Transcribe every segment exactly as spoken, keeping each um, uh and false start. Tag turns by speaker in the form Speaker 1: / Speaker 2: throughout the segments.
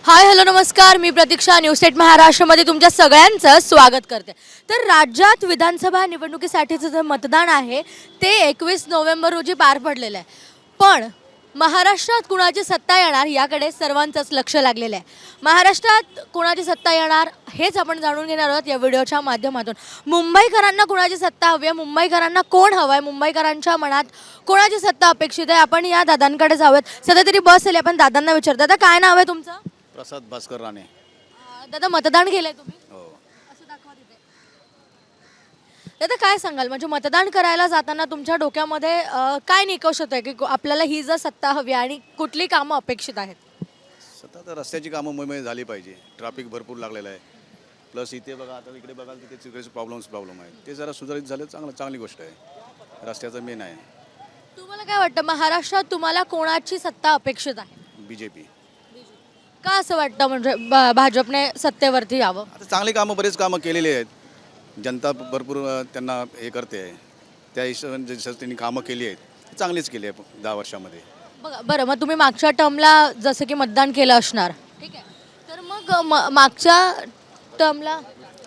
Speaker 1: Hi hello नमस्कार, मी Pratiksha news at महाराष्ट्रामध्ये तुमच्या सगळ्यांचं स्वागत करते. तर राज्यात विधानसभा निवडणुकीसाठीचं जे मतदान आहे ते एकवीस नोव्हेंबर रोजी पार पडलेलं आहे. पण महाराष्ट्रात कुणाची सत्ता येणार याकडे सर्वांचंच लक्ष लागलेलं आहे. महाराष्ट्रात कुणाची सत्ता येणार हेच आपण जाणून घेणार आहोत या व्हिडिओच्या माध्यमातून. मुंबईकरांना कुणाची सत्ता हवी आहे, मुंबईकरांना कोण हवं आहे, मुंबईकरांच्या मनात कोणाची सत्ता अपेक्षित आहे, आपण या दादांकडे जाऊयात. सध्या तरी बस आली, आपण दादांना विचारतो. दादा काय नाव आहे तुमचं?
Speaker 2: प्रसाद भास्कर राणे.
Speaker 1: अं, दादा मतदान केलंय तुम्ही?
Speaker 2: हो.
Speaker 1: असं दाखवा तिथे. दादा काय सांगाल, म्हणजे मतदान करायला जाताना तुमच्या डोक्यामध्ये अं, काय निकष होतंय की को- आपल्याला ही जर सत्ता हवी आणि कुठली कामं अपेक्षित आहेत?
Speaker 2: सतत रस्त्याची कामं मुंबईमध्ये झाली पाहिजे. ट्रॅफिक भरपूर लागलेलं आहे. प्लस इथे बघा, आता इकडे बघाल तिथे सगळेच प्रॉब्लेम्स प्रॉब्लेम आहेत. ते जरा सुधारित झालं चांगलं चांगली गोष्ट आहे. रस्त्याचं मेन आहे.
Speaker 1: तुम्हाला काय वाटतं, महाराष्ट्रात तुम्हाला कोणाची सत्ता अपेक्षित आहे?
Speaker 2: B J P.
Speaker 1: का असं वाटतं, म्हणजे ब- भाजपने सत्तेवरती यावं?
Speaker 2: आता चांगली कामं बरेच कामं केलेली आहेत. जनता भरपूर अ, त्यांना हे करते आहे. त्या हिशोबाने जसं त्यांनी कामं केली आहेत ती चांगलीच केली आहे दहा वर्षामध्ये.
Speaker 1: बघा बरं, मग तुम्ही मागच्या टर्मला जसं की मतदान केलं असणार, ठीक आहे, तर मग म- मागच्या टर्मला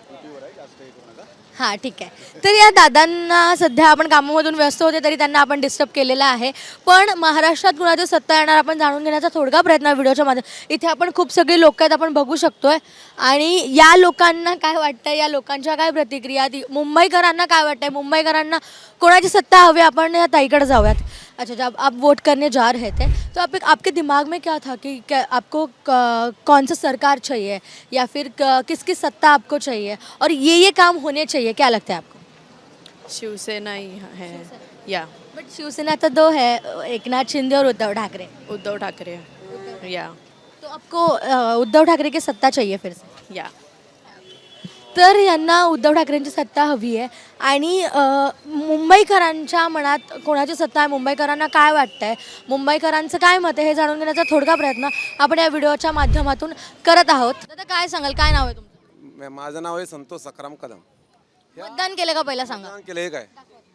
Speaker 1: हां ठीक आहे. तर या दादांना सध्या आपण कामामधून व्यस्त होते तरी त्यांना आपण डिस्टर्ब केलेलं आहे. पण महाराष्ट्रात कुणाची सत्ता येणार आपण जाणून घेण्याचा थोडका प्रयत्न आहे व्हिडिओच्या माध्यमातून. इथे आपण खूप सगळी लोक आहेत, आपण बघू शकतोय. आणि या लोकांना काय वाटतं, या लोकांच्या काय प्रतिक्रिया, ती मुंबईकरांना काय वाटतंय, मुंबईकरांना कोणाची सत्ता हवी, आपण या ताईकडे जाऊयात. अच्छा, जब आप वोट करने जा रहे थे तो आप आपके दिमाग में क्या था कि क्या आपको क- कौन सा सरकार चाहिए या फिर क- किसकी सत्ता आपको चाहिए और ये ये काम होने चाहिए, क्या लगता है आपको?
Speaker 3: शिवसेना ही है या
Speaker 1: बट शिवसेना तो दो है, एक नाथ शिंदे और उद्धव ठाकरे.
Speaker 3: उद्धव ठाकरे या
Speaker 1: तो आपको अ, उद्धव ठाकरे की सत्ता चाहिए फिर से?
Speaker 3: या
Speaker 1: तर यांना उद्धव ठाकरेंची सत्ता हवी आहे. आणि अ, मुंबईकरांच्या मनात कोणाची सत्ता आहे, मुंबईकरांना काय वाटतंय, मुंबईकरांचं काय मत आहे हे जाणून घेण्याचा थोडका प्रयत्न आपण या व्हिडिओच्या माध्यमातून करत आहोत. दादा काय सांगाल, काय नाव आहे तुमचं?
Speaker 4: म- माझं नाव आहे संतोष सखाराम कदम.
Speaker 1: मतदान केलं का पहिला सांगा?
Speaker 4: मतदान केलं हे काय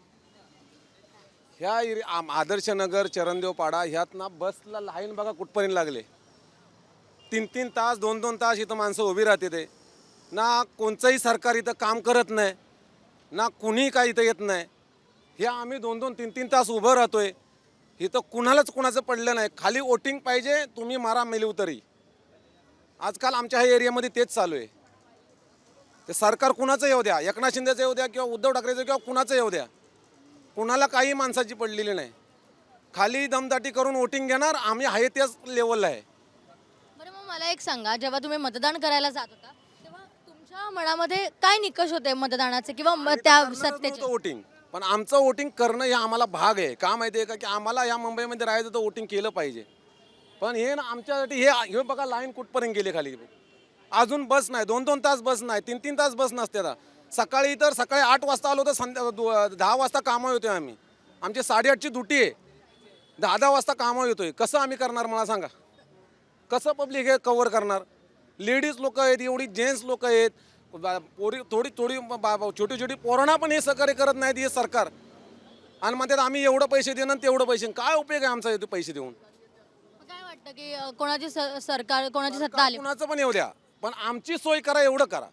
Speaker 4: ह्या एरि- आम- आदर्श नगर चरणदेव पाडा ह्यात ना बसला लाईन बघा कुठपर्यंत लागले. तीन तीन तास दोन दोन तास इथं माणसं उभी राहते. ते ना कोणचंही सरकार इथं काम करत नाही, ना कुणी काय इथं येत नाही. हे आम्ही दोन दोन तीन तीन तास उभं राहतोय. इथं कुणालाच कुणाचं पडलं नाही. खाली वोटिंग पाहिजे, तुम्ही मारा मेली उतरी. आजकाल आमच्या ह्या एरियामध्ये तेच चालू आहे. ते सरकार कुणाचं येऊ द्या, एकनाथ शिंदेचं येऊ द्या किंवा उद्धव ठाकरेचं किंवा कुणाचं येऊ द्या, कुणाला काही माणसाची पडलेली नाही. खाली दमदाटी करून वोटिंग घेणार, आम्ही आहे त्याच लेवलला आहे.
Speaker 1: बरं, मग मला एक सांगा, जेव्हा तुम्ही मतदान करायला जात होता तेव्हा तुमच्या मनामध्ये काय निकष होते मतदानाचे किंवा म- त्या सत्तेचे?
Speaker 4: वोटिंग, पण आमचं वोटिंग करणं हे आम्हाला भाग आहे. का माहिती आहे का, की आम्हाला या मुंबईमध्ये राहायचं तर वोटिंग केलं पाहिजे. पण हे ना आमच्यासाठी हे हे बघा लाईन कुठपर्यंत गेली खाली. अजून बस नाही, दोन दोन तास बस नाही, तीन तीन तास बस नसते. आता सकाळी तर सकाळी आठ वाजता आलो तर संध्या दु- दहा वाजता कामं येतोय आम्ही. आमची साडेआठची ड्युटी आहे, दहा दहा वाजता कामं येतोय. कसं आम्ही करणार मला सांगा? कसं पब्लिक हे कव्हर करणार? लेडीज लोक आहेत, एवढी जेंट्स लोक आहेत, बा- पोरी थोडी थोडी बा- बा- छोटी छोटी पोरांना पण हे सहकार्य करत नाहीत हे सरकार. आणि म्हणतात आम्ही एवढं पैसे देणार तेवढं पैसे. काय उपयोग आहे आमचा इथे पैसे देऊन?
Speaker 1: मग काय वाटतं की अ, कोणाची स- सरकार कोणाची सत्ता आली?
Speaker 4: कुणाचं पण येऊ द्या, पण आमची सोय करा, एवढं करा.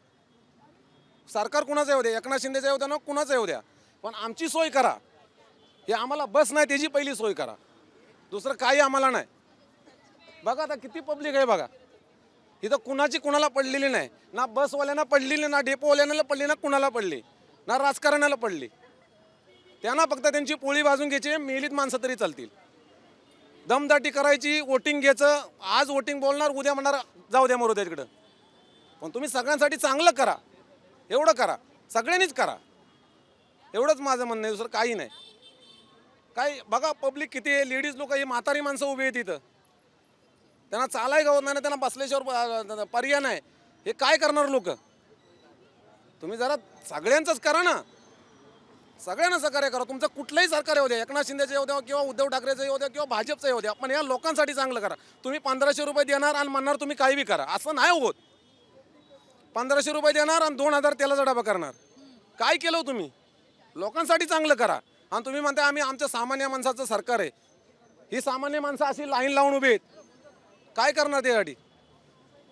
Speaker 4: सरकार कुणाचं येऊ द्या, एकनाथ शिंदेचं येऊ द्या ना कुणाचं येऊ द्या, पण आमची सोय करा. हे आम्हाला बस नाही त्याची पहिली सोय करा, दुसरं काही आम्हाला नाही. बघा आता किती पब्लिक आहे बघा. इथं कुणाची कुणाला पडलेली नाही, ना बसवाल्यांना पडलेली, ना डेपोवाल्यांना पडली, ना कुणाला पडली, ना राजकारण्याला पडली. त्यांना फक्त त्यांची पोळी भाजून घ्यायची, मेलीत माणसं तरी चालतील. दमदाटी करायची, वोटिंग घ्यायचं. आज वोटिंग बोलणार, उद्या म्हणणार जाऊ द्या मरू द्या तिकडं. पण तुम्ही सगळ्यांसाठी चांगलं करा, एवढं करा, सगळ्यांनीच करा. एवढंच माझं म्हणणं आहे, दुसरं काही नाही. काय बघा पब्लिक किती आहे, लेडीज लोक, ही म्हातारी माणसं उभी आहेत तिथं. त्यांना चालाय गावत नाही ना, त्यांना बसल्याशिवाय पर्याय नाही. हे काय करणार लोक? तुम्ही जरा सगळ्यांचंच करा ना, सगळ्यांना सहकार्य करा. तुमचं कुठलंही सरकार येऊ द्या, एकनाथ शिंदेचं येऊ द्या किंवा उद्धव ठाकरेचं येऊ द्या किंवा भाजपचं येऊ द्या, पण या लोकांसाठी चांगलं करा. तुम्ही पंधराशे रुपये देणार आणि म्हणणार तुम्ही काही बी करा, असं नाही होत. पंधराशे रुपये देणार आणि दोन हजार तेलाचा डबा करणार. काय केलं हो तुम्ही? लोकांसाठी चांगलं करा. आणि तुम्ही म्हणता आम्ही आमच्या सामान्य माणसाचं सरकार आहे. ही सामान्य माणसं अशी लाईन लावून उभी आहेत, काय करणार त्यासाठी?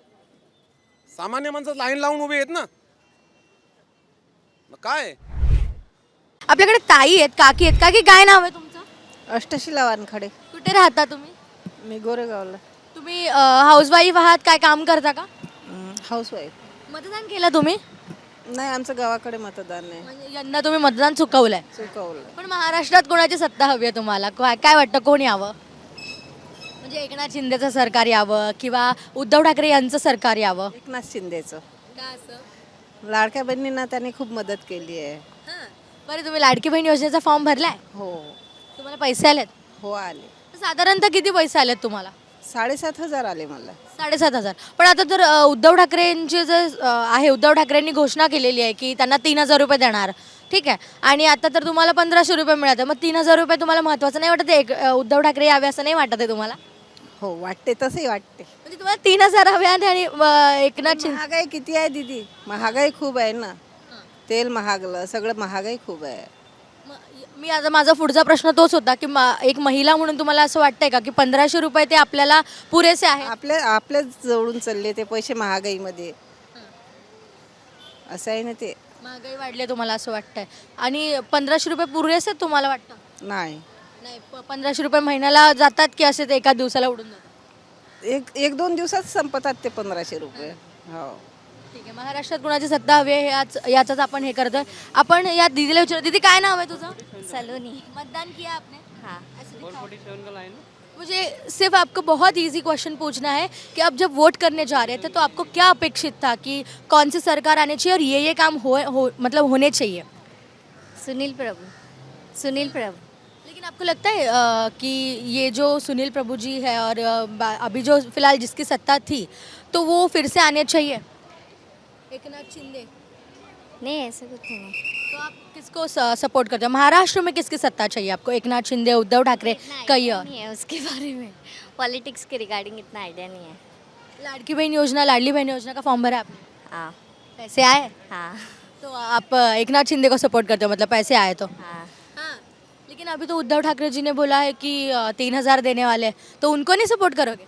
Speaker 4: सामान्य माणसं लाईन लावून उभी आहेत ना. मग काय
Speaker 1: आपल्याकडे ताई आहेत, काकी आहेत. काकी काय नाव आहे तुमचं?
Speaker 5: अष्टशिला वानखडे.
Speaker 1: कुठे राहता तुम्ही?
Speaker 5: मी गोरेगावला
Speaker 1: तुम्ही हाऊसवाईफ आहात, काय काम करता का?
Speaker 5: हाऊसवाईफ.
Speaker 1: मतदान केलं तुम्ही?
Speaker 5: नाही, आमचं गावाकडे मतदान नाही.
Speaker 1: म्हणजे यंदा तुम्ही मतदान चुकवलंय.
Speaker 5: चुकवलं.
Speaker 1: पण महाराष्ट्रात कोणाची सत्ता हवी आहे तुम्हाला? काय काय वाटतं, कोण यावं? म्हणजे एकनाथ शिंदेचं सरकार यावं किंवा उद्धव ठाकरे यांचं सरकार यावं?
Speaker 5: एकनाथ शिंदेचं.
Speaker 1: का असं?
Speaker 5: लाडक्या बहिणींना त्यांनी खूप मदत केली आहे.
Speaker 1: बरं, तुम्ही लाडकी बहीण योजनेचा फॉर्म भरलाय?
Speaker 5: हो
Speaker 1: तुम्हाला पैसे आलेत?
Speaker 5: हो आले.
Speaker 1: साधारणतः किती पैसे आलेत तुम्हाला?
Speaker 5: साडेसात हजार आले मला.
Speaker 1: साडेसात हजार. पण आता तर अ, उद्धव ठाकरेंचे जे अ, आहे, उद्धव ठाकरेंनी घोषणा केलेली आहे की त्यांना तीन हजार रुपये देणार, ठीक आहे, आणि आता तर तुम्हाला पंधराशे रुपये मिळतात. मग तीन हजार रुपये तुम्हाला महत्त्वाचं नाही वाटत? एक अ, उद्धव ठाकरे यावे असं नाही वाटत आहे तुम्हाला?
Speaker 5: हो वाटते, तसंही वाटते.
Speaker 1: म्हणजे तुम्हाला तीन हजार हवे आहेत आणि अ, एकनाथ शिंदे.
Speaker 5: महागाई किती आहे दीदी? महागाई खूप आहे ना. तेल महागलं, सगळं महागाई खूप आहे.
Speaker 1: मग मी आता, माझा पुढचा प्रश्न तोच होता की मा- एक महिला म्हणून तुम्हाला असं वाटतंय का की पंधराशे रुपये ते आपल्याला पुरेसे आहे?
Speaker 5: आपल्या आपल्याच जवळून चालले ते पैसे महागाईमध्ये. असं आहे ना ते.
Speaker 1: महागाई वाढली आहे तुम्हाला असं वाटतंय, आणि पंधराशे रुपये पुरेसे आहेत तुम्हाला वाटतं?
Speaker 5: नाही,
Speaker 1: नाही, प- पंधराशे रुपये महिन्याला जातात की असे ते एका दिवसाला उडून जातात?
Speaker 5: एक एक दोन दिवसात संपतात ते पंधराशे रुपये. हो.
Speaker 1: ठीक आहे. महाराष्ट्रात कुणाची सत्ता हवी आहे याच याचाच आपण हे करतोय. आपण या दीदीला विचार. दीदी काय नाव आहे तुझं?
Speaker 6: सलोनी.
Speaker 1: मतदान किया आपने?
Speaker 6: हाँ.
Speaker 1: मुझे सिर्फ आपको बहुत इजी क्वेश्चन पूछना है कि अब जब वोट करने जा रहे थे तो आपको क्या अपेक्षित था कि कौन सी सरकार आनी चाहिए और ये ये काम हो, हो मतलब होने चाहिए?
Speaker 6: सुनील प्रभु. सुनील प्रभु.
Speaker 1: लेकिन आपको लगता है अ, कि ये जो सुनील प्रभु जी है और अ, बा- अभी जो फिलहाल जिसकी सत्ता थी तो वो फिर से आने चाहिए? एकनाथ शिंदे.
Speaker 6: नहीं ऐसा कुछ नहीं.
Speaker 1: तो आप किसको सपोर्ट करते हो? महाराष्ट्र में किसकी सत्ता चाहिए आपको? एकनाथ शिंदे, उद्धव ठाकरे, कई और?
Speaker 6: नहीं है उसके बारे में. पॉलिटिक्स के रिगार्डिंग इतना आइडिया नहीं है.
Speaker 1: लाड़की बहन योजना, लाडली बहन योजना का फॉर्म भरा आपने?
Speaker 6: हाँ.
Speaker 1: पैसे आए?
Speaker 6: हाँ.
Speaker 1: तो आप अ, एकनाथ शिंदे को सपोर्ट करते हो, मतलब पैसे आए तो?
Speaker 6: हाँ.
Speaker 1: हाँ. लेकिन अभी तो उद्धव ठाकरे जी ने बोला है कि अ, तीन हजार देने वाले हैं, तो उनको नहीं सपोर्ट करोगे?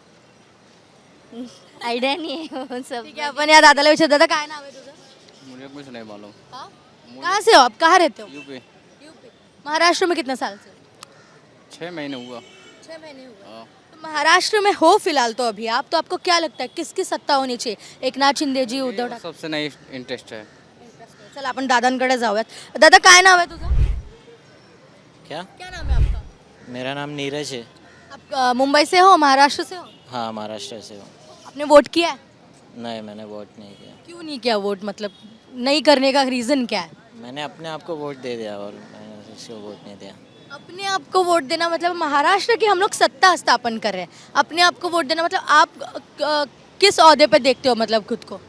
Speaker 6: आइडिया नहीं है वो सब.
Speaker 1: ठीक है, अपन या दादाला विचार. दादा काय नाव आहे तुझं?
Speaker 7: मुझे कुछ नहीं मालूम.
Speaker 1: हाँ? कहाँ से हो आप? कहाँ रहते हो?
Speaker 7: यूपी.
Speaker 1: यूपी. महाराष्ट्र में कितने साल से?
Speaker 7: छः महीने हुआ.
Speaker 1: छः महीने हुए.
Speaker 7: हाँ.
Speaker 1: तो महाराष्ट्र में हो फिलहाल तो अभी आप, तो आपको क्या लगता है किसकी सत्ता होनी चाहिए? एकनाथ शिंदे जी, उद्धव ठाकरे?
Speaker 7: सबसे नहीं इंटरेस्ट है.
Speaker 1: चला आपण दादांकडे जाऊयात. दादा काय नाव आहे तुझं?
Speaker 8: क्या?
Speaker 1: क्या नाम है आपका?
Speaker 8: मेरा नाम नीरज है.
Speaker 1: आप अ, मुंबई से हो, महाराष्ट्र से हो?
Speaker 8: हाँ, महाराष्ट्र से हूँ.
Speaker 1: आपने वोट किया है?
Speaker 8: नहीं, मैंने वोट नहीं किया.
Speaker 1: क्यों नहीं किया वोट? मतलब नहीं करने का रीज़न क्या है?
Speaker 8: मैंने अपने आप को वोट दे दिया और मैंने किसी को वोट नहीं दिया.
Speaker 1: अपने आप को वोट देना मतलब महाराष्ट्र की हम लोग सत्ता स्थापन कर रहे हैं, अपने आप को वोट देना मतलब आप अ, किस ओहदे पे देखते हो मतलब खुद को?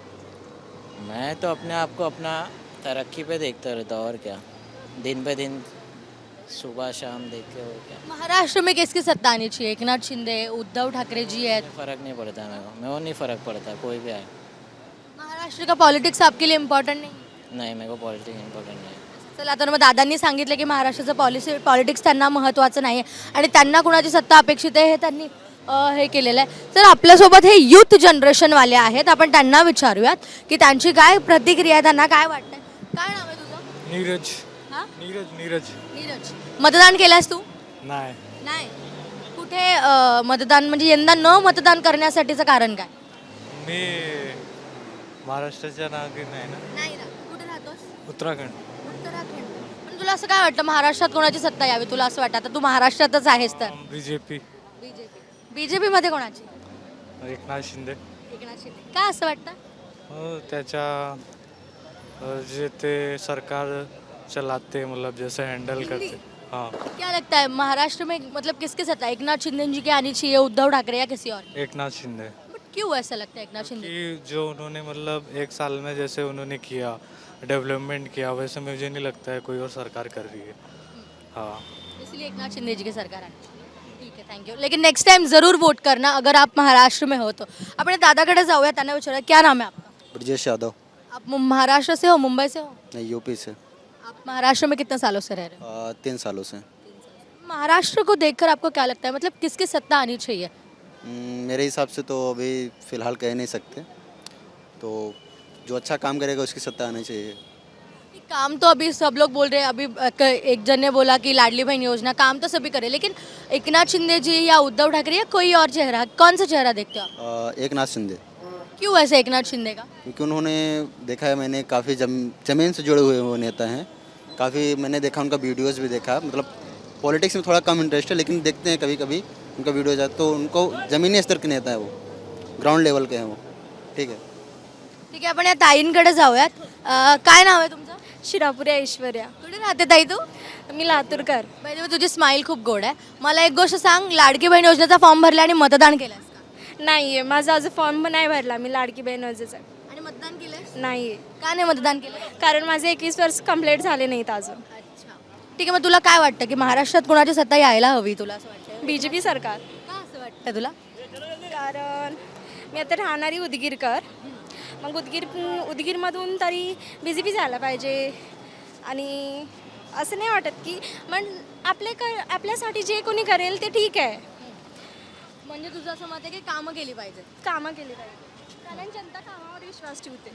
Speaker 8: मैं तो अपने आप को अपना तरक्की पे देखता रहता हूँ और क्या. दिन पे दिन सुबह शाम देखते हो क्या.
Speaker 1: महाराष्ट्र में किसकी सत्ता आनी चाहिए? एकनाथ शिंदे, उद्धव ठाकरे जी हैं.
Speaker 8: फर्क नहीं पड़ता मेरे को. मेरे को नहीं फर्क पड़ता कोई भी आए.
Speaker 1: महाराष्ट्र का पॉलिटिक्स आपके लिए इम्पॉर्टंट नहीं?
Speaker 8: नहीं, मेरे को पॉलिटिक्स इम्पोर्टेंट नहीं है.
Speaker 1: चला, तर मग दादांनी सांगितलं की महाराष्ट्राचं पॉलिसी पॉलिटिक्स त्यांना महत्त्वाचं नाही आहे आणि त्यांना कुणाची सत्ता अपेक्षित आहे हे त्यांनी अ, हे केलेलं आहे. तर आपल्यासोबत हे यूथ जनरेशनवाले आहेत, आपण त्यांना विचारूयात की त्यांची काय प्रतिक्रिया आहे, त्यांना काय वाटतंय. काय नाव आहे तुझं?
Speaker 9: नीरज.
Speaker 1: हां?
Speaker 9: नीरज नीरज
Speaker 1: नीरज. मतदान केलंस तू?
Speaker 9: नाही.
Speaker 1: नाही. कुठे अ, मतदान, म्हणजे यंदा न मतदान करण्यासाठीचं कारण काय?
Speaker 9: मी महाराष्ट्राच्या नागरिक नाही ना.
Speaker 1: नाही ना. कुठे राहतोस?
Speaker 9: उत्तराखंड.
Speaker 1: उत्तराखंड. पण तुला असं काय वाटतं महाराष्ट्रात कोणाची सत्ता यावी? तुला असं वाटतं? आता तू महाराष्ट्रातच आहेस तर.
Speaker 9: B J P.
Speaker 1: BJP. BJP मध्ये कोणाची?
Speaker 9: एकनाथ शिंदे.
Speaker 1: एकनाथ शिंदे. का असं वाटतं?
Speaker 9: हो, त्याच्या अ, जे ते सरकार चलाते मतलब जैसे हैंडल करते. हाँ.
Speaker 1: क्या लगता है महाराष्ट्र में मतलब किसकी सत्ता? एकनाथ शिंदे जी की आनी चाहिए, उद्धव ठाकरे या किसी और?
Speaker 9: एकनाथ शिंदे.
Speaker 1: बट क्यों ऐसा लगता है एकनाथ शिंदे?
Speaker 9: कि जो उन्होंने मतलब एक साल में जैसे उन्होंने किया डेवलपमेंट किया वैसे मुझे नहीं लगता है कोई और सरकार कर रही है. हाँ.
Speaker 1: इसलिए एकनाथ शिंदे जी की सरकार आनी चाहिए. ठीक है, थैंक यू. लेकिन नेक्स्ट टाइम जरूर वोट करना अगर आप महाराष्ट्र में हो तो. आपण दादाकडे जाऊया, त्यांना विचारूया क्या नाम है आपका?
Speaker 10: ब्रजेश यादव.
Speaker 1: आप मु- महाराष्ट्र से हो, मुंबई से हो?
Speaker 10: नहीं, यूपी से.
Speaker 1: आप महाराष्ट्र में कितने सालों से रह रहे हो?
Speaker 10: आ, तीन सालों से.
Speaker 1: महाराष्ट्र को देखकर आपको क्या लगता है मतलब किसकी सत्ता आनी चाहिए?
Speaker 10: हम्म, मेरे हिसाब से तो अभी फ़िलहाल कह नहीं सकते. तो जो अच्छा काम करेगा उसकी सत्ता आनी चाहिए।
Speaker 1: काम तो अभी सब लोग बोल रहे हैं, अभी अ, क- एक जन ने बोला कि लाडली बहन योजना काम तो सभी करे, लेकिन एकनाथ शिंदे जी या उद्धव ठाकरे या कोई और चेहरा, कौन सा चेहरा देखते हो आप?
Speaker 10: अ, एक नाथ शिंदे,
Speaker 1: क्यों ऐसे एकनाथ शिंदे का?
Speaker 10: क्योंकि उन्होंने देखा है मैंने काफ़ी जम जमीन से जुड़े हुए वो नेता हैं। काफ़ी मैंने देखा, उनका वीडियोस भी देखा। मतलब पॉलिटिक्स में थोड़ा कम इंटरेस्ट है, लेकिन देखते हैं कभी कभी उनका वीडियो जाता, तो उनको ज़मीनी स्तर के नेता है वो, ग्राउंड लेवल के हैं वो। ठीक है,
Speaker 1: ठीक आहे, आपण या ताईंकडे जाऊयात. अ, काय नाव आहे तुमचं?
Speaker 11: शिरापुरी ऐश्वर्या.
Speaker 1: कुठे राहते ताई तू?
Speaker 11: मी लातूरकर.
Speaker 1: म्हणजे तुझी स्माईल खूप गोड आहे. मला एक गोष्ट सांग, लाडकी बहीण योजनेचा फॉर्म भरला आणि मतदान केलंस का?
Speaker 11: नाहीये, माझा अजून फॉर्म नाही भरला मी लाडकी बहीण योजनेचा.
Speaker 1: आणि मतदान केलंस?
Speaker 11: नाहीये,
Speaker 1: का नाही मतदान केलं?
Speaker 11: कारण माझे एकवीस वर्ष कंप्लीट झाले नाहीत अजून.
Speaker 1: अच्छा, ठीक आहे. मग तुला काय वाटतं की महाराष्ट्रात कोणाची सत्ता यायला हवी, तुला असं वाटतं?
Speaker 11: बी जे पी सरकार.
Speaker 1: का असं वाटतं तुला?
Speaker 11: कारण मी आता राहणारी उदगीरकर, मग उदगीर उदगीरमधून तरी बी जे पी झाला पाहिजे. आणि असं नाही वाटत की पण आपले कर आपल्यासाठी जे कोणी करेल ते ठीक आहे.
Speaker 1: म्हणजे तुझं असं मत आहे की कामं केली पाहिजेत?
Speaker 11: कामं केली पाहिजे, कारण जनता कामावर विश्वास ठेवते.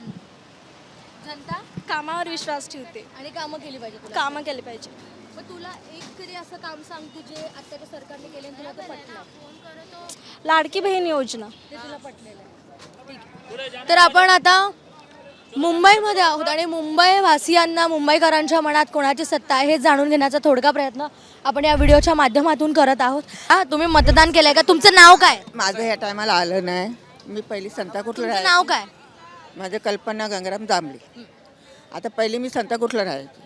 Speaker 1: जनता
Speaker 11: कामावर विश्वास ठेवते
Speaker 1: आणि कामं केली पाहिजे तुला?
Speaker 11: कामं केली पाहिजे.
Speaker 1: मग तुला एक तरी असं काम सांग तू जे आत्ताच्या सरकारने केले आणि तुला ते पटलं,
Speaker 11: लाडकी बहीण योजना.
Speaker 1: ते तुला पटलेलं आहे. ठीक आहे. तर आपण आता मुंबईमध्ये आहोत आणि मुंबई वासियांना, मुंबईकरांच्या मनात कोणाची सत्ता आहे हे जाणून घेण्याचा थोडका प्रयत्न आपण या व्हिडिओच्या माध्यमातून करत आहोत. हा, तुम्ही मतदान केलंय का? तुमचं नाव काय?
Speaker 5: माझं ह्या टायमाला आलं नाही. मी पहिली संताकुठला
Speaker 1: तुमचं
Speaker 5: राहायचे.
Speaker 1: नाव काय?
Speaker 5: माझं कल्पना गंगाराम जांभळे. आता पहिली मी संताकुठला राहायचे,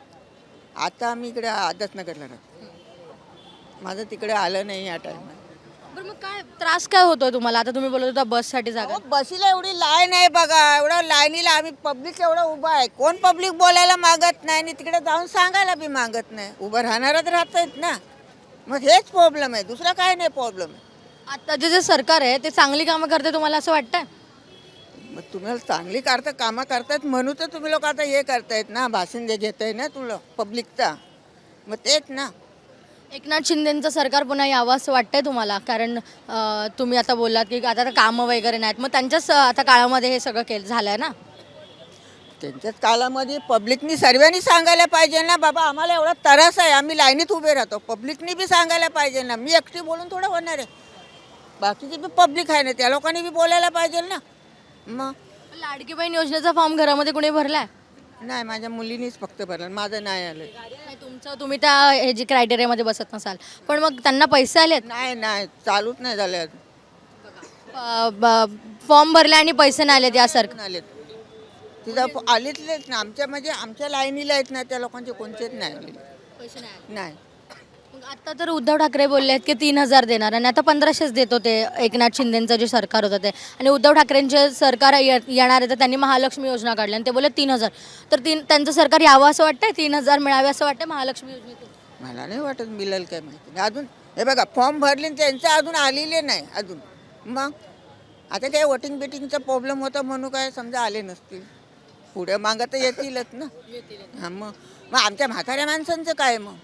Speaker 5: आता मी इकडे आदतनगरला राहते. माझं तिकडे आलं नाही या टायमाला.
Speaker 1: बरं, मग काय त्रास काय होतोय तुम्हाला? आता तुम्ही बोलत होता बससाठी जागा.
Speaker 5: बसीला एवढी लाईन आहे बघा, एवढं लाईनीला आम्ही पब्लिक एवढं उभं आहे. कोण पब्लिक बोलायला मागत नाही आणि तिकडे जाऊन सांगायला बी मागत नाही. उभं राहणारच राहत आहेत ना. मग हेच प्रॉब्लेम आहे, दुसरा काय नाही प्रॉब्लेम आहे.
Speaker 1: आत्ताचे जे सरकार आहे ते चांगली कामं करते तुम्हाला असं वाटतंय?
Speaker 5: मग तुम्हाला चांगली करता कामं करतायत म्हणून तर तुम्ही लोक आता हे करतायत ना, भाषण जे घेत आहे ना तुला पब्लिकचा. मग तेच ना.
Speaker 1: एकनाथ शिंदेचं सरकार पुन्हा यावं असं वाटतंय तुम्हाला? कारण अं, तुम्ही आता बोललात की आता कामं वगैरे नाहीत, मग त्यांच्याच अं, आता काळामध्ये हे सगळं केलं झालंय ना.
Speaker 5: त्यांच्याच काळामध्ये पब्लिकनी सर्वांनी सांगायला पाहिजे ना, बाबा आम्हाला एवढा त्रास आहे, आम्ही लाईनीत उभे राहतो. पब्लिकनी बी सांगायला पाहिजे ना. मी एकटी बोलून थोडं होणार आहे, बाकीची बी पब्लिक आहे ना, त्या लोकांनी बी बोलायला पाहिजे ना. मग
Speaker 1: लाडकी बहीण योजनेचा फॉर्म घरामध्ये कुणी भरलाय?
Speaker 5: नाही, माझ्या मुलीनीच फक्त भरलं, माझं नाही आलं.
Speaker 1: नाही, तुमचं तुम्ही त्या हे जी क्रायटेरियामध्ये बसत नसाल, पण मग त्यांना पैसे आलेत?
Speaker 5: नाही नाही, चालूच नाही झालं अजून.
Speaker 1: फॉर्म भरले आणि पैसे नाही आलेत या सरकार?
Speaker 5: आलेत तिथं आलेतलेच ना. आमच्या म्हणजे आमच्या लाईनीला आहेत ना, त्या लोकांचे कोणतेच नाही आलेले.
Speaker 1: पैसे नाही.
Speaker 5: नाही.
Speaker 1: मग आता तर उद्धव ठाकरे बोलले आहेत की तीन हजार देणार आणि आता पंधराशेच देत होते एकनाथ शिंदेचं जे सरकार होतं ते. आणि उद्धव ठाकरेंचे सरकार ये- येणार आहे तर त्यांनी महालक्ष्मी योजना काढली आणि ते बोलले तीन हजार. तर तीन त्यांचं सरकार यावं असं वाटतंय, तीन हजार मिळावे असं वाटतं महालक्ष्मी योजनेतून?
Speaker 5: मला नाही वाटत मिळेल काय माहिती नाही अजून. हे बघा फॉर्म भरले आणि त्यांचं अजून आलेले नाही अजून. मग आता काय वोटिंग बिटिंगचा प्रॉब्लेम होता म्हणून काय समजा आले नसतील. पुढे मागं तर येतीलच ना. हां, मग मग आमच्या म्हाताऱ्या माणसांचं काय मग?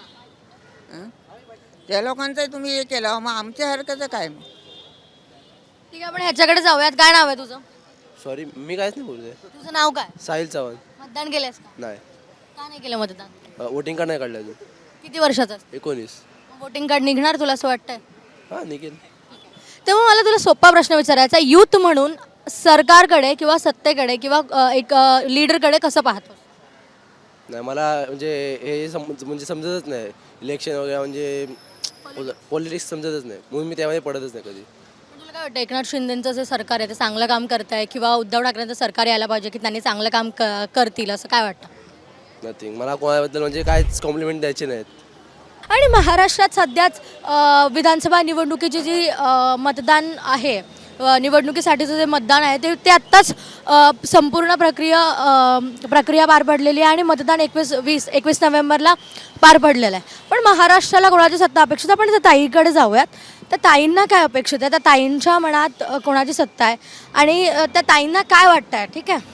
Speaker 5: हं? त्या लोकांचं तुम्ही हे केलं, मग आमच्या हरकतचं काय मग?
Speaker 1: ठीक आहे, आपण ह्याच्याकडे जाऊयात. काय नाव आहे तुझं?
Speaker 12: सॉरी, मी काहीच नाही बोलते.
Speaker 1: तुझं नाव काय?
Speaker 12: साहिल चव्हाण.
Speaker 1: मतदान केलंयस का?
Speaker 12: नाही,
Speaker 1: का नाही केलं मतदान?
Speaker 12: वोटिंग कार्ड नाही काढलं अजून.
Speaker 1: किती वर्षाचं?
Speaker 12: एकोणीस.
Speaker 1: वोटिंग कार्ड निघणार तुला असं वाटतंय?
Speaker 12: हां, निघेल.
Speaker 1: तेव्हा मला तुला सोपा प्रश्न विचारायचा, यूथ म्हणून सरकारकडे किंवा सत्तेकडे किंवा अ, एक लीडरकडे कसं पाहतो?
Speaker 12: नाही, मला म्हणजे हे सम म्हणजे समजतच नाही. इलेक्शन वगैरे म्हणजे पॉलिटिक्स समजतच नाही, म्हणून मी त्यामध्ये पडतच नाही कधी.
Speaker 1: पण तुला काय वाटतं एकनाथ शिंदेचं जे सरकार आहे ते चांगलं काम करत आहे किंवा उद्धव ठाकरेंचं सरकार यायला पाहिजे की त्यांनी चांगलं काम क करतील असं काय वाटतं?
Speaker 12: नथिंग. मला कोणाबद्दल म्हणजे काहीच कॉम्प्लिमेंट द्यायचे नाहीत.
Speaker 1: आणि महाराष्ट्रात सध्याच अ, विधानसभा निवडणुकीची जी अ, मतदान आहे, अ, निवडणुकीसाठीचं जे मतदान आहे ते ते आत्ताच अ, संपूर्ण प्रक्रिया अ, प्रक्रिया पार पडलेली आहे आणि मतदान एकवीस वीस एकवीस नोव्हेंबरला पार पडलेलं आहे. पण महाराष्ट्राला कोणाची सत्ता अपेक्षित? आपण त्या ताईकडे जाऊयात. त्या ताईंना काय अपेक्षित आहे? त्या ताईंच्या मनात अ, कोणाची सत्ता आहे आणि अ, त्या ताईंना काय वाटतं आहे? ठीक आहे,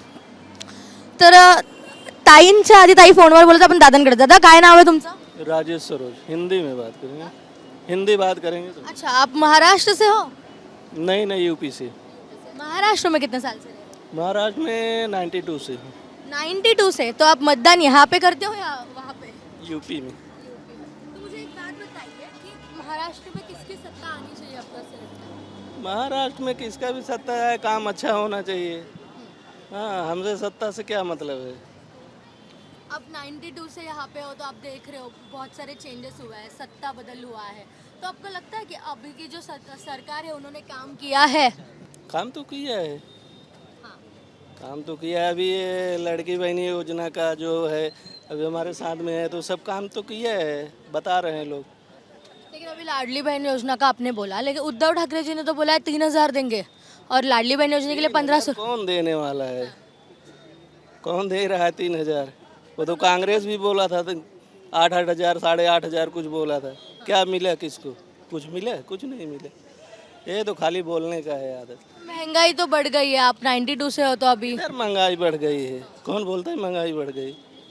Speaker 1: तर अ, ताईंच्या आधी ताई फोनवर बोलत आपण दादांकडे. दादा काय नाव आहे तुमचं?
Speaker 13: राजेश सरोज. हिंदी में बात करेंगे, हिंदी बात करेंगे तो।
Speaker 1: अच्छा, आप महाराष्ट्र से हो?
Speaker 13: नहीं नहीं, यूपी से।
Speaker 1: महाराष्ट्र में कितने साल से रहे?
Speaker 13: महाराष्ट्र में नाइन्टी टू से हूँ,
Speaker 1: नाइन्टी टू से, तो आप मतदान यहाँ पे करते हो या वहाँ पे?
Speaker 13: यूपी में।
Speaker 1: तो मुझे एक बात बताइए कि महाराष्ट्र में किसकी सत्ता आनी चाहिए आपको ऐसा लगता है?
Speaker 13: महाराष्ट्र में किसका भी सत्ता है, काम अच्छा होना चाहिए। हाँ, हमसे सत्ता से क्या मतलब है।
Speaker 1: अब नाइन्टी टू से यहाँ पे हो तो आप देख रहे हो बहुत सारे चेंजेस हुआ है, सत्ता बदल हुआ है, तो आपको लगता है कि अभी की जो सर- सरकार है उन्होंने काम किया है?
Speaker 13: काम तो किया है, काम तो किया है। अभी ये लड़की बहनी योजना का जो है अभी हमारे साथ में है, तो सब काम तो किया है, बता रहे हैं लोग।
Speaker 1: लेकिन अभी लाडली बहन योजना का आपने बोला, लेकिन उद्धव ठाकरे जी ने तो बोला है तीन हजार देंगे और लाडली बहन योजना के लिए पंद्रह सौ।
Speaker 13: कौन देने वाला है, कौन दे रहा है तीन हजार? वो तो कांग्रेस भी बोला था, तो आठ आठ हजार साढ़े आठ हजार कुछ बोला था। क्या मिला किसको? कुछ मिला? कुछ नहीं मिला। ये तो खाली बोलने का है आदत।
Speaker 1: महंगाई तो बढ़ गई है, आप नाइन्टी टू से हो तो अभी
Speaker 13: यार महंगाई बढ़ गई है, कौन बोलता है महंगाई बढ़ गई?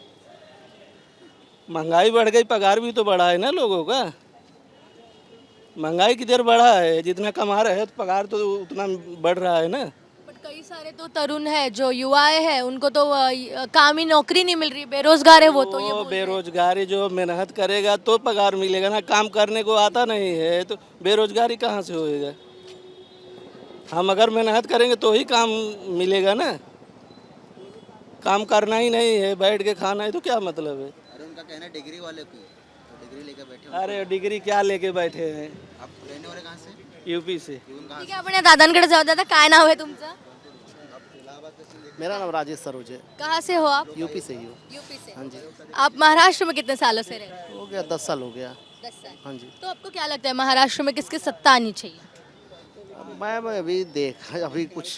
Speaker 13: महंगाई बढ़ गई, पगार भी तो बढ़ा है ना लोगों का। महंगाई किधर बढ़ा है? जितना कमा रहे हैं तो पगार तो उतना बढ़ रहा है ना।
Speaker 1: बट कई सारे तो तरुण है जो युवाएं हैं उनको तो अ, काम ही नौकरी नहीं मिल रही, बेरोजगार है वो तो ये
Speaker 13: वो
Speaker 1: बोल रहे हैं।
Speaker 13: बेरोजगारी जो मेहनत करेगा तो पगार मिलेगा ना, काम करने को आता नहीं है तो बेरोजगारी कहाँ से होएगा? हम अगर मेहनत करेंगे तो ही काम मिलेगा ना, काम करना ही नहीं है, बैठ के खाना है तो क्या मतलब है?
Speaker 10: अरे उनका कहना है डिग्री वाले को, तो डिग्री लेकर बैठे हो।
Speaker 13: अरे डिग्री क्या लेके बैठे हैं?
Speaker 10: आप रहने वाले कहाँ से?
Speaker 13: यूपी से।
Speaker 1: ठीक आहे, आपण या दादांकडे जाऊ. दादा काय नाव आहे तुमचं?
Speaker 12: मेरा नाम राजेश सरोज है,
Speaker 1: कहाँ से हो आप?
Speaker 12: यूपी से ही हूँ।
Speaker 1: यूपी से.
Speaker 12: हाँ जी,
Speaker 1: आप महाराष्ट्र में कितने सालों से रह रहे हो?
Speaker 12: हो गया दस साल हो गया।
Speaker 1: दस साल.
Speaker 12: हाँ जी,
Speaker 1: तो आपको क्या लगता है महाराष्ट्र में किसकी सत्ता आनी चाहिए?
Speaker 12: मैं मैं अभी देख अभी कुछ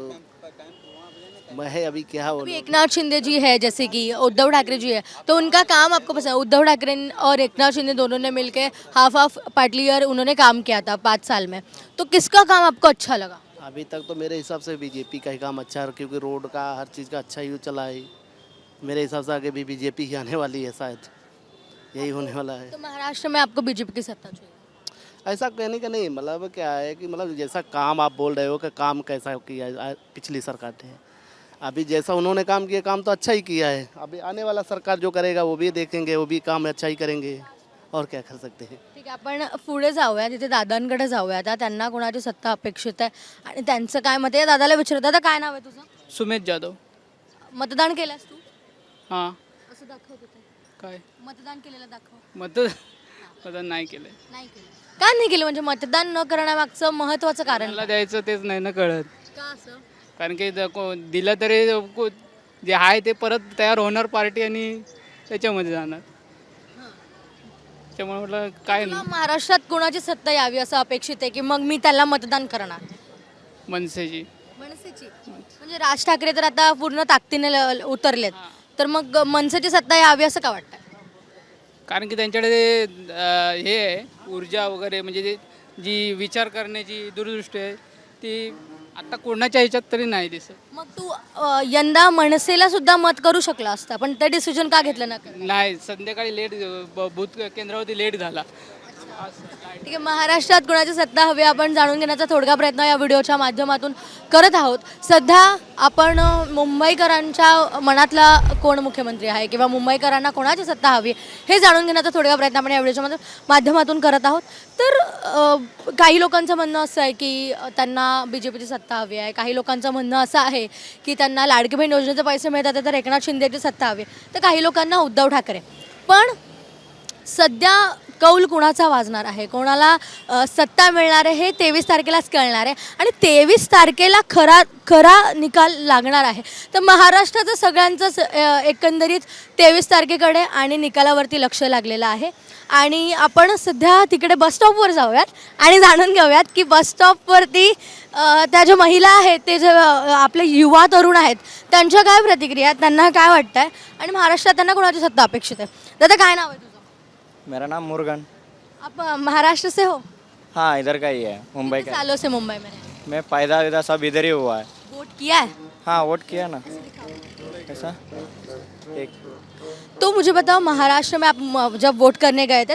Speaker 12: मैं है अभी क्या
Speaker 1: अभी
Speaker 12: बोलूं।
Speaker 1: एकनाथ शिंदे जी है, जैसे कि उद्धव ठाकरे जी है, तो उनका काम आपको पसंद है? उद्धव ठाकरे और एकनाथ शिंदे दोनों ने मिलके हाफ हाफ पार्टली ईयर उन्होंने काम किया था पाँच साल में, तो किसका काम आपको अच्छा लगा?
Speaker 12: अभी तक तो मेरे हिसाब से बीजेपी का ही काम अच्छा है, क्योंकि रोड का हर चीज़ का अच्छा ही चला है। मेरे हिसाब से आगे भी बीजेपी ही आने वाली है, शायद यही होने वाला है।
Speaker 1: तो महाराष्ट्र में आपको बीजेपी की सत्ता चाहिए?
Speaker 12: ऐसा कहने का नहीं, मतलब क्या है कि मतलब जैसा काम आप बोल रहे हो कि काम कैसा किया है पिछली सरकार ने, अभी जैसा उन्होंने काम किया काम तो अच्छा ही किया है। अभी आने वाला सरकार जो करेगा वो भी देखेंगे, वो भी काम अच्छा ही करेंगे, और क्या कर सकते हैं।
Speaker 1: ठीक आहे, आपण पुढे जाऊया, तिथे दादांकडे जाऊया. आता त्यांना कोणाची सत्ता अपेक्षित आहे आणि त्यांचं काय मत आहे? दादाला विचारत. दादा काय नाव आहे तुझं?
Speaker 7: सुमित जाधव.
Speaker 1: मतदान केलंस तू?
Speaker 7: हां.
Speaker 1: असं दाखव तिथे.
Speaker 7: काय
Speaker 1: मतदान केलेलं दाखव.
Speaker 7: मत मतदान नाही केलं.
Speaker 1: नाही केलं. का नाही केलं? म्हणजे मतदान न करण्यामागचं महत्त्वाचं कारण
Speaker 7: मला द्यायचं तेच नाही ना कळत.
Speaker 1: का असं?
Speaker 7: कारण की ज- को- दिलं तरी को- जे आहे ते परत तयार होणार पार्टी आणि त्याच्यामध्ये जाणार. त्यामुळे म्हटलं काय
Speaker 1: तुला महाराष्ट्रात कोणाची सत्ता यावी असं अपेक्षित आहे की मग मी त्याला मतदान करणार?
Speaker 7: मनसेची.
Speaker 1: मनसेची. म्हणजे राज ठाकरे तर आता पूर्ण ताकदीने ल- उतरलेत, तर मग मनसेची सत्ता यावी असं का वाटतं?
Speaker 7: कारण की त्यांच्याकडे अं, हे आहे ऊर्जा वगैरे, म्हणजे ते जी विचार करण्याची दूरदृष्टी आहे ती आता कोणाच्या ह्याच्यात तरी नाही दिसत.
Speaker 1: मग तू अ, यंदा मनसेला सुद्धा मत करू शकला असता, पण ते डिसिजन का घेतलं ना?
Speaker 7: नाही, संध्याकाळी लेट बूथ केंद्रावरती लेट झाला.
Speaker 1: ठीक आहे, महाराष्ट्रात कोणाची सत्ता हवी आपण जाणून घेण्याचा थोडका प्रयत्न या व्हिडिओच्या माध्यमातून करत आहोत. सध्या आपण अ, मुंबईकरांच्या मनातला कोण मुख्यमंत्री आहे किंवा मुंबईकरांना कोणाची सत्ता हवी हे जाणून घेण्याचा थोडका प्रयत्न आपण या व्हिडिओच्या माध्य- माध्यमातून करत आहोत. तर अ, काही लोकांचं म्हणणं असं आहे की अ, त्यांना बी जे पीची सत्ता हवी आहे. काही लोकांचं म्हणणं असं आहे की त्यांना लाडकी बहीण योजनेचे पैसे मिळतात तर एकनाथ शिंदेची सत्ता हवी, तर काही लोकांना उद्धव ठाकरे. पण सध्या कौल कुणाचा वाजणार आहे, कोणाला अ, सत्ता मिळणार आहे हे तेवीस तारखेलाच कळणार आहे आणि तेवीस तारखेला खरा खरा निकाल लागणार आहे. तर महाराष्ट्राचं सगळ्यांचंच अ, एकंदरीत तेवीस तारखेकडे आणि निकालावरती लक्ष लागलेलं आहे. आणि आपण सध्या तिकडे बसस्टॉपवर जाऊयात आणि जाणून घेऊयात की बसस्टॉपवरती अ, त्या ज्या महिला आहेत, ते जे अ, आपले युवा तरुण आहेत, त्यांच्या काय प्रतिक्रिया आहेत, त्यांना काय वाटतं आहे आणि महाराष्ट्रात त्यांना कोणाची सत्ता अपेक्षित आहे. दादा काय नाव आहे तुझं?
Speaker 12: मेरा नाम मुर्गन.
Speaker 1: आप अ, महाराष्ट्र से हो?
Speaker 12: हाँ, इधर का ही है, मुंबई
Speaker 1: कितने सालों से मुंबई में रहे?
Speaker 12: मैं पैदा वैदा सब इधर ही हुआ है.
Speaker 1: वोट किया है?
Speaker 12: हाँ, वोट किया ना. ऐसा एक
Speaker 1: तो मुझे बताओ, महाराष्ट्र में आप म- जब वोट करने गए थे तो आप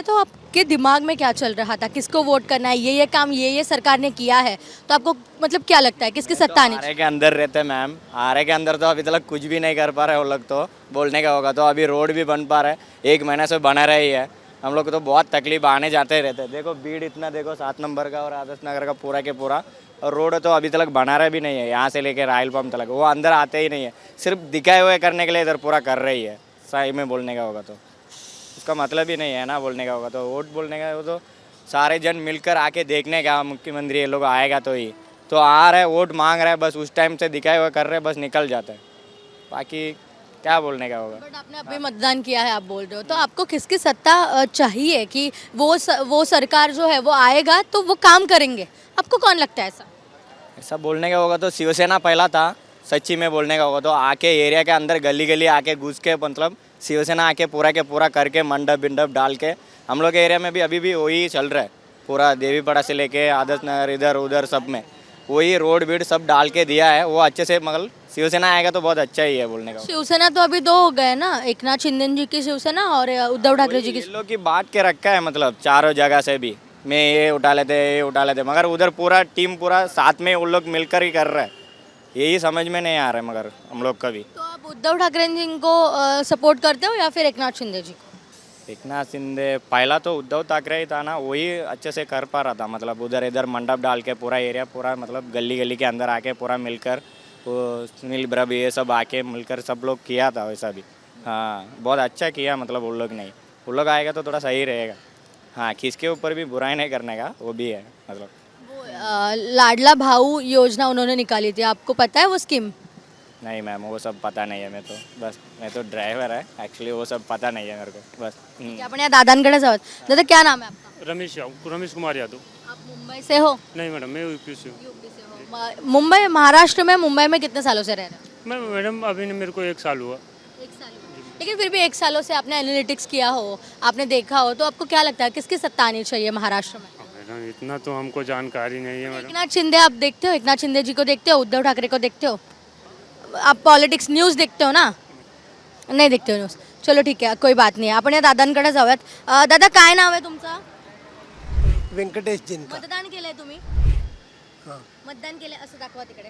Speaker 1: आपके दिमाग में क्या चल रहा था, किसको वोट करना है, ये ये काम ये ये सरकार ने किया है, तो आपको मतलब क्या लगता है किसकी सत्ता आनी
Speaker 8: आरे के अंदर रहते मैम, आरे के अंदर तो अभी तक कुछ भी नहीं कर पा रहे वो लोग, तो बोलने का होगा तो अभी रोड भी बन पा रहा है, एक महीने से बना रही है। हम लोग को तो बहुत तकलीफ आने जाते ही रहते हैं। देखो भीड़ इतना, देखो सात नंबर का और आदर्श नगर का पूरा के पूरा, और रोड तो अभी तक बना रहा भी नहीं है, यहाँ से लेके रायल पंप तक वो अंदर आते ही नहीं है, सिर्फ दिखाए हुए करने के लिए इधर पूरा कर रही है। सही में बोलने का होगा तो उसका मतलब ही नहीं है ना, बोलने का होगा तो वोट बोलने का वो तो सारे जन मिलकर आके देखने का, मुख्यमंत्री ये लोग आएगा तो ही तो आ रहे, वोट मांग रहे हैं, बस उस टाइम से दिखाए हुए कर रहे हैं, बस निकल जाते हैं, बाकी क्या बोलने का होगा।
Speaker 1: बट आपने अभी मतदान किया है, आप बोल रहे हो, तो आपको किसकी सत्ता अ, चाहिए कि वो स, वो सरकार जो है वो आएगा तो वो काम करेंगे, आपको कौन लगता है ऐसा?
Speaker 8: ऐसा बोलने का होगा तो शिवसेना पहला था, सच्ची में बोलने का होगा तो आके एरिया के अंदर गली गली आके घुस के, मतलब शिवसेना आके पूरा के पूरा करके मंडप बिंडप डाल के, हम लोग के एरिया में भी अभी भी वही चल रहा है, पूरा देवीपाड़ा से लेके आदर्श नगर इधर उधर सब में वही रोड बीड सब डाल के दिया है, वो अच्छे से, मतलब शिवसेना आएगा तो बहुत अच्छा ही है बोलने का।
Speaker 1: शिवसेना तो अभी दो हो गए ना, एक नाथ शिंदे जी की शिवसेना और उद्धव ठाकरे जी की।
Speaker 8: ये लोग की बांट के रखा है, मतलब चारों जगह से भी मैं ये उठा लेते ये उठा लेते, मगर उधर पूरा टीम पूरा साथ में उन लोग मिलकर ही कर रहा है, यही समझ में नहीं आ रहा है मगर हम लोग का भी।
Speaker 1: तो आप उद्धव ठाकरे जी को सपोर्ट करते हो या फिर एक नाथ शिंदे जी को?
Speaker 8: एक नाथ शिंदे पहला तो उद्धव ठाकरे ही था ना, वही अच्छे से कर पा रहा था, मतलब उधर इधर मंडप डाल के पूरा एरिया पूरा, मतलब गली गली के अंदर आके पूरा मिलकर वो सुनील ब्रब ये सब आके मिलकर सब लोग किया था वैसा भी। हाँ बहुत अच्छा किया, मतलब उन लोग नहीं, उन लोग आएगा तो थोड़ा सही रहेगा। हाँ किसके ऊपर भी बुराई नहीं करने का, वो भी है मतलब।
Speaker 1: वो अ, लाडला भाऊ योजना उन्होंने निकाली थी, आपको पता है वो स्कीम?
Speaker 8: नहीं मैम वो सब पता नहीं है, मैं तो बस मैं तो ड्राइवर है एक्चुअली, वो सब पता नहीं है मेरे को बस। हम्म।
Speaker 1: की आपण या दादांकडे जाऊयात. दादा क्या नाम है आपका?
Speaker 14: रमेश यादव, रमेश कुमार यादव।
Speaker 1: आप मुंबई से हो?
Speaker 14: नहीं मैडम मैं यूपी से हूँ।
Speaker 1: म- मुंबई महाराष्ट्र में, मुंबई में कितने सालों से रह रहे हो?
Speaker 14: मैं मैडम अभी न मेरे को एक साल हुआ।
Speaker 1: एक साल हुआ। लेकिन फिर भी एक सालों से आपने एनालिटिक्स किया हो, आपने देखा हो, तो आपको क्या लगता है किसकी सत्ता आनी चाहिए महाराष्ट्र में?
Speaker 14: मैडम इतना तो हमको जानकारी नहीं है
Speaker 1: एक
Speaker 14: मैडम।
Speaker 1: नाथ शिंदे आप देखते हो, एक नाथ शिंदे जी को देखते हो, उद्धव ठाकरे को देखते हो? आप पॉलिटिक्स न्यूज़ देखते हो ना? नाही देखते हो न्यूज़. चलो ठीक आहे, कोई बात नाही. आपण या दादांकडे जाऊयात. अ, दादा काय नाव आहे तुमचं?
Speaker 15: व्यंकटेश जिनका.
Speaker 1: मतदान केलंय तुम्ही? मतदान केलंय असं दाखवा तिकडे.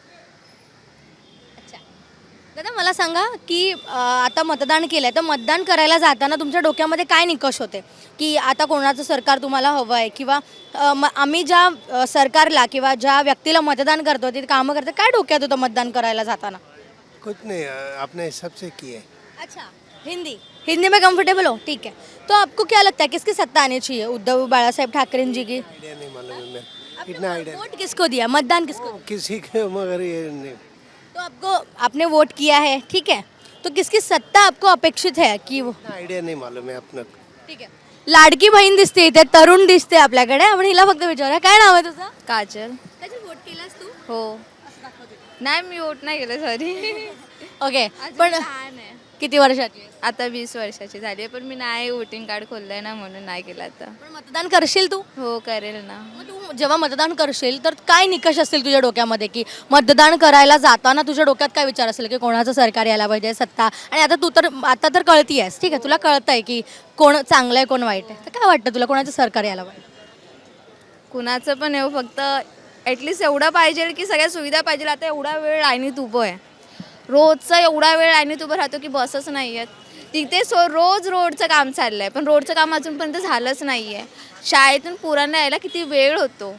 Speaker 1: अच्छा दादा मला सांगा की अ, आता मतदान केलंय, तर मतदान करायला जाताना तुमच्या डोक्यामध्ये काय निकष होते की आता कोणाचं सरकार तुम्हाला हवं आहे, किंवा अ, म- आम्ही ज्या अ, सरकारला किंवा ज्या व्यक्तीला मतदान करतो ते कामं करते, काय डोक्यात होतं मतदान करायला जाताना?
Speaker 15: कुछ नहीं अपने हिसाब से किए.
Speaker 1: अच्छा हिंदी हिंदी में कंफर्टेबल हो, ठीक है. तो आपको क्या लगता है किसकी सत्ता आनी चाहिए, उद्धव बाला साहेब ठाकरे जी की?
Speaker 15: आइडिया नहीं मालूम है मेरे. इतना आइडिया
Speaker 1: वोट किसको दिया, मतदान किसको दिया?
Speaker 15: किसी के मगर ये नहीं.
Speaker 1: तो आपको आपने वोट किया है, ठीक है, तो किसकी सत्ता आपको अपेक्षित है की वो?
Speaker 15: आइडिया नहीं मालूम है अपना.
Speaker 1: ठीक आहे. लाडकी बहीण दिसते इथे, तरुण दिसते आपल्याकडे, आपण हिला फक्त विचारूया काय नाव आहे तुझं?
Speaker 11: काजल.
Speaker 1: काजल वोट केलास तू?
Speaker 11: हो. नाही मी वोट नाही केलं सॉरी.
Speaker 1: ओके पण
Speaker 11: लहान आहे.
Speaker 1: किती वर्षाची आहेस?
Speaker 11: आता वीस वर्षाची झाली आहे, पण मी नाही वोटिंग कार्ड खोललंय ना म्हणून नाही केलं आता.
Speaker 1: पण मतदान करशील तू?
Speaker 11: हो करेल ना.
Speaker 1: मग तू जेव्हा मतदान करशील तर काय निकष असतील तुझ्या डोक्यामध्ये, की मतदान करायला जाताना तुझ्या डोक्यात काय विचार असेल की कोणाचं सरकार यायला पाहिजे, सत्ता, आणि आता तू तर आता तर कळती आहेस, ठीक आहे, तुला कळतंय की कोण चांगलं आहे कोण वाईट आहे, तर काय वाटतं तुला कोणाचं सरकार यायला पाहिजे?
Speaker 11: कुणाचं पण येऊ, फक्त ॲटलिस्ट एवढं पाहिजे की सगळ्या सुविधा पाहिजे. आता एवढा वेळ लाईनीत उभं आहे, रोजचा एवढा वेळ लाईनीत उभं राहतो की बसच नाही आहेत तिथे. सो रोज रोडचं काम चाललं आहे, पण रोडचं काम अजूनपर्यंत झालंच नाही आहे. शाळेतून पुरांना यायला किती वेळ होतो,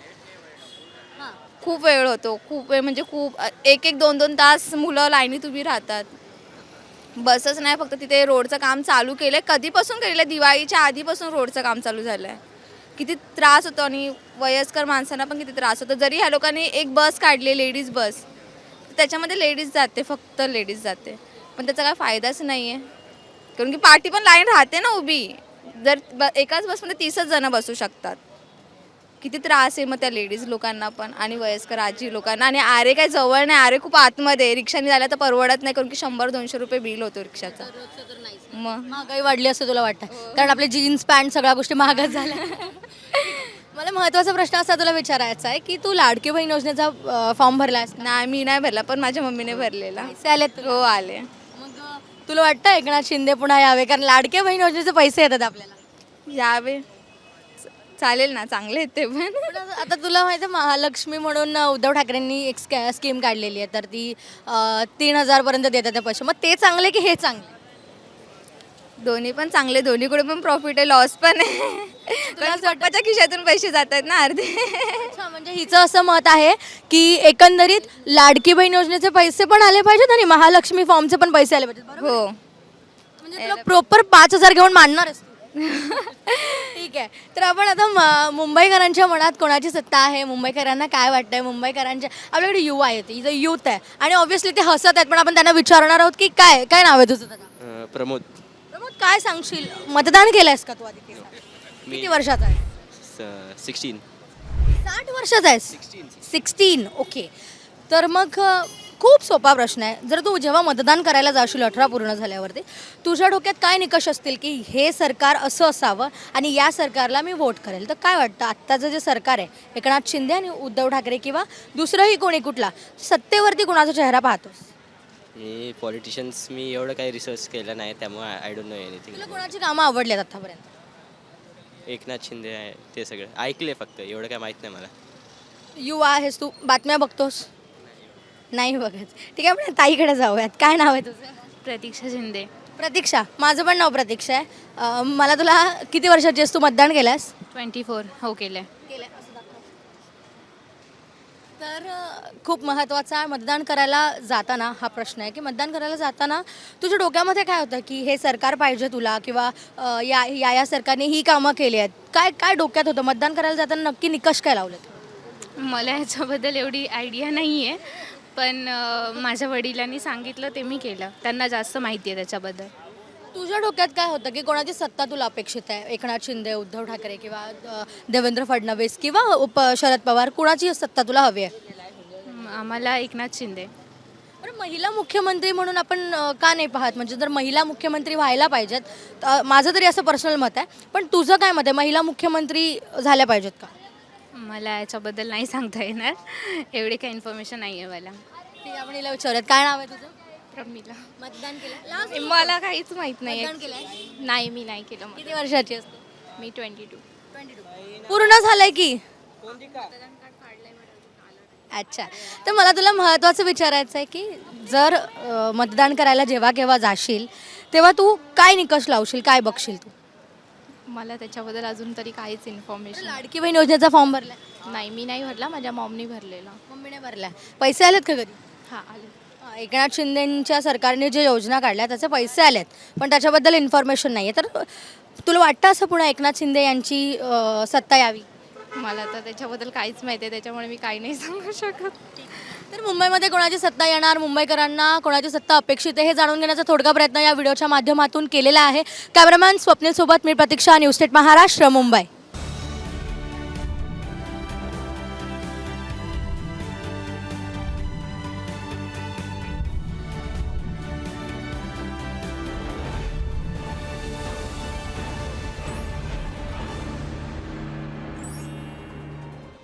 Speaker 11: खूप वेळ होतो, खूप वेळ म्हणजे खूप, एक एक दोन दोन तास मुलं लाईनीत उभी राहतात. बसच नाही, फक्त तिथे रोडचं काम चालू केलं आहे. कधीपासून केलेलं आहे? दिवाळीच्या आधीपासून रोडचं काम चालू झालं आहे. किती त्रास होतो, आणि वयस्कर माणसांना पण किती त्रास होतो. जरी ह्या लोकांनी एक बस काढली, लेडीज बस, त्याच्यामध्ये लेडीज जाते, फक्त लेडीज जाते, पण त्याचा काय फायदाच नाही आहे, कारण की पार्टी पण लाईन राहते ना उभी. जर ब एकाच बसमध्ये तीसच जणं बसू शकतात. किती त्रास आहे मग त्या लेडीज लोकांना पण, आणि वयस्कर आजी लोकांना. आणि आरे काय जवळ नाही, आरे खूप आतमध्ये, रिक्षाने जायला तर परवडत नाही, कारण की शंभर दोनशे रुपये बिल होतो रिक्षाचा. मग
Speaker 1: महागाई वाढली असं तुला वाटतं? कारण आपले जीन्स पॅन्ट सगळ्या गोष्टी महागच झाल्या. मला महत्त्वाचा प्रश्न असा तुला विचारायचा आहे की तू लाडकी बहीण योजनेचा फॉर्म भरलायस?
Speaker 11: नाही मी नाही भरला, पण माझ्या मम्मीने भरलेला.
Speaker 1: पैसे आलेत?
Speaker 11: हो आले.
Speaker 1: मग तुला वाटतं एकनाथ शिंदे पुन्हा यावे, कारण लाडक्या बहीण योजनेचे पैसे येतात आपल्याला?
Speaker 11: यावे चालेल ना, चांगले आहेत ते पण.
Speaker 1: पण आता आता तुला माहिती आहे महालक्ष्मी म्हणून उद्धव ठाकरेंनी एक स्कॅ स्कीम काढलेली आहे, तर ती अं, तीन हजारपर्यंत देतात त्या पैसे. मग ते चांगले की हे चांगले?
Speaker 11: दोन्ही पण चांगले, दोन्हीकडे पण प्रॉफिट आहे, लॉस पण आहे. कारण स्वतःच्या खिशातून पैसे जात आहेत ना अर्धे.
Speaker 1: अच्छा, म्हणजे हिचं असं मत आहे की एकंदरीत लाडकी बहीण योजनेचे पैसे पण आले पाहिजेत आणि महालक्ष्मी फॉर्मचे पण पैसे आले पाहिजेत, बरोबर?
Speaker 11: हो.
Speaker 1: म्हणजे तुला प्रॉपर पाच हजार घेऊन मांडणारच तू. ठीक आहे. तर आपण आता म- मुंबईकरांच्या मनात कोणाची सत्ता आहे, मुंबईकरांना काय वाटतंय, मुंबईकरांच्या आपल्याकडे युवा आहेत, इथं युथ आहे आणि ऑब्व्हियसली ते हसत आहेत, पण आपण त्यांना विचारणार आहोत की काय काय नाव आहे तुझं दादा?
Speaker 8: प्रमोद.
Speaker 1: प्रमोद, काय सांगशील, मतदान केलंयस का तू आधी ते सांग. किती वर्षाचा आहे?
Speaker 8: सिक्स्टीन.
Speaker 1: साठ वर्षाचा आहे. सिक्स्टीन. ओके. तर मग अ, खूप सोपा प्रश्न आहे. जर तू जेव्हा मतदान करायला जाशील अठरा पूर्ण झाल्यावरती, तुझ्या डोक्यात काय निकष असतील की हे सरकार असं असावं आणि या सरकारला मी वोट करेल? तर काय वाटतं आत्ताचं जे सरकार आहे, एकनाथ शिंदे आणि उद्धव ठाकरे किंवा दुसरंही कोणी कुठला, सत्तेवरती कोणाचा चेहरा पाहतोस?
Speaker 8: मी पॉलिटिशियन्स मी एवढं काही रिसर्च केलं नाही, त्यामुळे आय डोंट नो एनिथिंग.
Speaker 1: तुला कोणाची कामं आवडली आहेत आतापर्यंत?
Speaker 8: एकनाथ शिंदे आहे ते सगळं ऐकले, फक्त एवढं काय माहीत नाही मला.
Speaker 1: युवा आहेस तू, बातम्या बघतोस? नाही बघत. ठीक आहे, आपण ताईकडे जाऊयात. काय नाव आहे तुझं?
Speaker 11: प्रतीक्षा शिंदे.
Speaker 1: प्रतीक्षा. माझं पण नाव प्रतीक्षा आहे. अ, मला तुला किती वर्षाची आहेस, तू मतदान केलंस?
Speaker 11: Twenty four. हो केलं आहे.
Speaker 1: तर अ, खूप महत्त्वाचा मतदान करायला जाताना हा प्रश्न आहे की मतदान करायला जाताना तुझ्या डोक्यामध्ये काय होतं की हे सरकार पाहिजे तुला किंवा अ, या या या सरकारने ही कामं केली आहेत, काय काय डोक्यात होतं? मतदान करायला जाताना नक्की निकष काय लावलेत?
Speaker 11: मला ह्याच्याबद्दल एवढी आयडिया नाही आहे, पण अ, माझ्या वडिलांनी सांगितलं ते मी केलं. त्यांना जास्त माहिती आहे त्याच्याबद्दल.
Speaker 1: तुझ्या डोक्यात काय होतं की कोणाची सत्ता तुला अपेक्षित आहे? एकनाथ शिंदे, उद्धव ठाकरे किंवा अ, देवेंद्र फडणवीस किंवा उप शरद पवार, कुणाची सत्ता तुला हवी आहे?
Speaker 11: म- आम्हाला एकनाथ शिंदे.
Speaker 1: बरं, महिला मुख्यमंत्री म्हणून आपण अ, का नाही पाहत? म्हणजे जर महिला मुख्यमंत्री व्हायला पाहिजेत, अ, माझं तरी असं पर्सनल मत आहे, पण तुझं काय मत आहे, महिला मुख्यमंत्री झाल्या पाहिजेत का?
Speaker 11: मला याच्याबद्दल नाही सांगता येणार, एवढी काही इन्फॉर्मेशन नाही आहे मला.
Speaker 1: ठीक आहे, आपण हिला विचारूयात. काय नाव आहे तुझं?
Speaker 11: प्रमिला.
Speaker 1: मतदान केलं?
Speaker 11: मला काहीच माहित नाही.
Speaker 1: मतदान केलंय?
Speaker 11: नाही, मी नाही केलं.
Speaker 1: किती वर्षाची असते?
Speaker 11: मी ट्वेंटी टू.
Speaker 1: पूर्ण झालंय की? अच्छा. तर मला तुला महत्त्वाचं विचारायचं आहे की जर अ, मतदान करायला जेव्हा केव्हा जाशील तेव्हा तू काय निकष लावशील, काय बघशील तू?
Speaker 11: मला त्याच्याबद्दल अजून तरी काहीच इन्फॉर्मेशन
Speaker 1: लाडकी बहीण योजनेचा फॉर्म भरलाय?
Speaker 11: नाही. मी नाही भरला, माझ्या मॉमनी भरलेला.
Speaker 1: मम्मीने भरलाय. पैसे आलेत का कधी?
Speaker 11: हां, आले.
Speaker 1: अ, एकनाथ शिंदेंच्या सरकारने जे योजना काढल्या त्याचे पैसे आलेत, पण त्याच्याबद्दल इन्फॉर्मेशन नाही आहे. तर तुला वाटतं असं पुन्हा एकनाथ शिंदे यांची अ, सत्ता यावी?
Speaker 11: मला तर त्याच्याबद्दल काहीच माहिती आहे, त्याच्यामुळे मी काही नाही सांगू शकत.
Speaker 1: तर मुंबईमध्ये कोणाची सत्ता येणार, मुंबईकरांना कोणाची सत्ता अपेक्षित आहे हे जाणून घेण्याचा थोडका प्रयत्न या व्हिडिओच्या माध्यमातून केलेला आहे. कॅमेरामॅन स्वप्नील सोबत मी प्रतीक्षा, न्यूज स्टेट महाराष्ट्र, मुंबई.